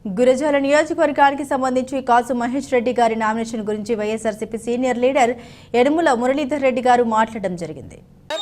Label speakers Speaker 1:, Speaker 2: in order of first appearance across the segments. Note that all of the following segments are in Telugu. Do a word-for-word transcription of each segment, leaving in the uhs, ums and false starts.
Speaker 1: గురజాల నియోజకవర్గానికి సంబంధించి కాసు మహేష్ రెడ్డి గారి నామినేషన్ గురించి YSRCP senior leader Yanamala Muralidhar Reddy గారు మాట్లాడడం జరిగింది.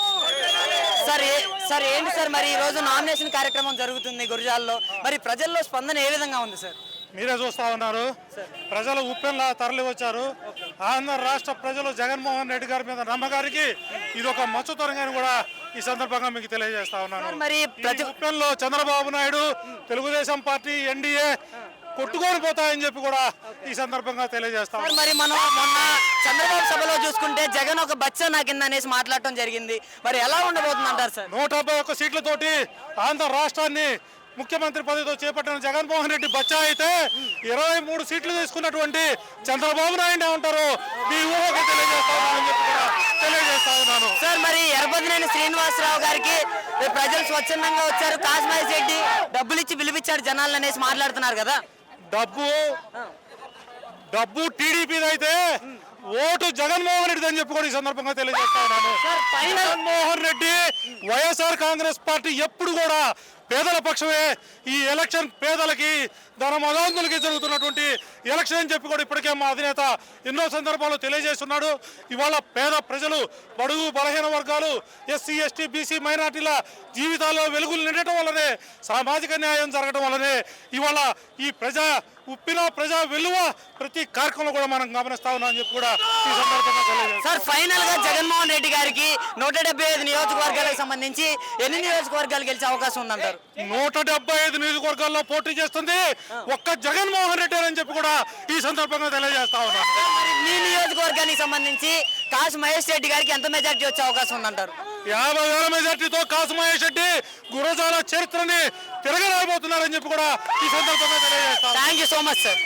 Speaker 2: సార్ ఏంటి సార్ మరి ఈ రోజు నామినేషన్ కార్యక్రమం జరుగుతుంది గురజాలలో, మరి ప్రజల్లో స్పందన ఏ విధంగా ఉంది సార్?
Speaker 3: మీరే చూస్తా ఉన్నారు, ప్రజలు ఉప్పెన్లా తరలి వచ్చారు. ఆంధ్ర రాష్ట్ర ప్రజలు జగన్మోహన్ రెడ్డి గారి మీద నమ్మకానికి ఇది ఒక మచ్చుతరంగా కూడా ఈ సందర్భంగా మీకు తెలియజేస్తా ఉన్నాను.
Speaker 2: మరి
Speaker 3: ఉప్పెన్లో చంద్రబాబు నాయుడు, తెలుగుదేశం పార్టీ, ఎన్డీఏ కొట్టుకొని పోతాయని చెప్పి కూడా ఈ సందర్భంగా తెలియజేస్తాం.
Speaker 2: మరి మనం మొన్న చంద్రబాబు సభలో చూసుకుంటే జగన్ ఒక బచ్చ నాకిందనేసి మాట్లాడటం జరిగింది. మరి ఎలా ఉండబోతుంది అంటారు సార్?
Speaker 3: నూట డెబ్బై ఒక్క సీట్లతోటి ఆంధ్ర రాష్ట్రాన్ని ముఖ్యమంత్రి పదవితో చేపట్టిన జగన్మోహన్ రెడ్డి బచ్చా అయితే ఇరవై మూడు సీట్లు తీసుకున్నటువంటి చంద్రబాబు నాయుడు ఉంటారు మీ ఊహకు తెలియజేస్తామని చెప్పి కూడా తెలియజేస్తా ఉన్నాను.
Speaker 2: సార్ మరి ఎర్రబదినేని శ్రీనివాసరావు గారికి ప్రజలు స్వచ్ఛందంగా వచ్చారు, కాసుమహేష్ రెడ్డి డబ్బులు ఇచ్చి పిలిపించారు జనాలు అనేసి మాట్లాడుతున్నారు కదా.
Speaker 3: డబ్బు డబ్బు టీడీపీది అయితే ఓటు జగన్మోహన్ రెడ్డి అని చెప్పి కూడా ఈ సందర్భంగా తెలియజేస్తా ఉన్నాను. జగన్మోహన్ రెడ్డి, వైఎస్ఆర్ కాంగ్రెస్ పార్టీ ఎప్పుడు కూడా పేదల పక్షమే. ఈ ఎలక్షన్ పేదలకి, ధన మదాంతులకి జరుగుతున్నటువంటి ఎలక్షన్ అని చెప్పి కూడా ఇప్పటికే మా అధినేత ఎన్నో సందర్భాల్లో తెలియజేస్తున్నాడు. ఇవాళ పేద ప్రజలు, బడుగు బలహీన వర్గాలు, ఎస్సీ ఎస్టీ బీసీ మైనార్టీల జీవితాల్లో వెలుగులు నిండటం వల్లనే, సామాజిక న్యాయం జరగడం వల్లనే ఇవాళ ఈ ప్రజా ఉప్పిన ప్రజా విలువ ప్రతి కార్యక్రమంలో కూడా మనం గమనిస్తా ఉన్నాం అని చెప్పి కూడా ఈ సందర్భంగా తెలియజేస్తాం.
Speaker 2: సార్ ఫైనల్ గా జగన్మోహన్ రెడ్డి గారికి నూట డెబ్బై ఐదు నియోజకవర్గాలకు సంబంధించి ఎన్ని నియోజకవర్గాలు గెలిచే అవకాశం ఉందంటారు?
Speaker 3: నూట డెబ్బై ఐదు నియోజకవర్గాల్లో పోటీ చేస్తుంది ఒక్క జగన్మోహన్ రెడ్డి అని చెప్పి కూడా ఈ సందర్భంగా తెలియజేస్తా ఉన్నాం.
Speaker 2: మీ నియోజకవర్గానికి సంబంధించి కాసు మహేష్ రెడ్డి గారికి ఎంత మెజార్టీ వచ్చే అవకాశం ఉందంటారు?
Speaker 3: యాభై వేల మెజార్టీతో కాసు మహేష్ రెడ్డి గురజాల చరిత్రని తిరగరాబోతున్నారని చెప్పి కూడా ఈ సందర్భంగా తెలియజేస్తాం.
Speaker 2: Thank you so much sir.